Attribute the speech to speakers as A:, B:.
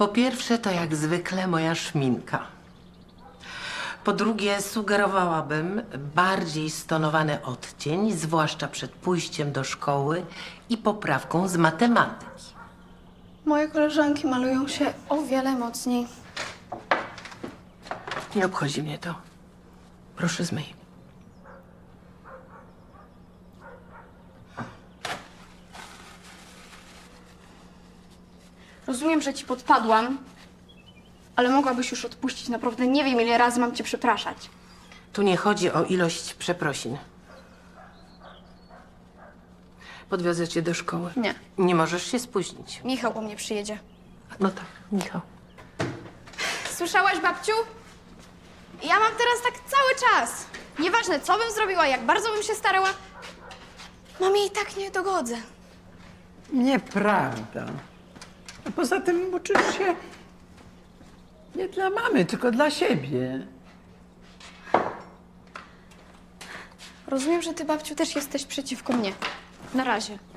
A: Po pierwsze, to jak zwykle moja szminka. Po drugie, sugerowałabym bardziej stonowany odcień, zwłaszcza przed pójściem do szkoły i poprawką z matematyki.
B: Moje koleżanki malują się o wiele mocniej.
A: Nie obchodzi mnie to. Proszę zmyj.
B: Rozumiem, że ci podpadłam, ale mogłabyś już odpuścić. Naprawdę nie wiem, ile razy mam cię przepraszać.
A: Tu nie chodzi o ilość przeprosin. Podwiozę cię do szkoły.
B: Nie.
A: Nie możesz się spóźnić.
B: Michał po mnie przyjedzie.
A: No tak, Michał.
B: Słyszałaś, babciu? Ja mam teraz tak cały czas. Nieważne, co bym zrobiła, jak bardzo bym się starała. Mamie i tak nie dogodzę.
C: Nieprawda. A poza tym uczysz się nie dla mamy, tylko dla siebie.
B: Rozumiem, że ty, babciu, też jesteś przeciwko mnie. Na razie.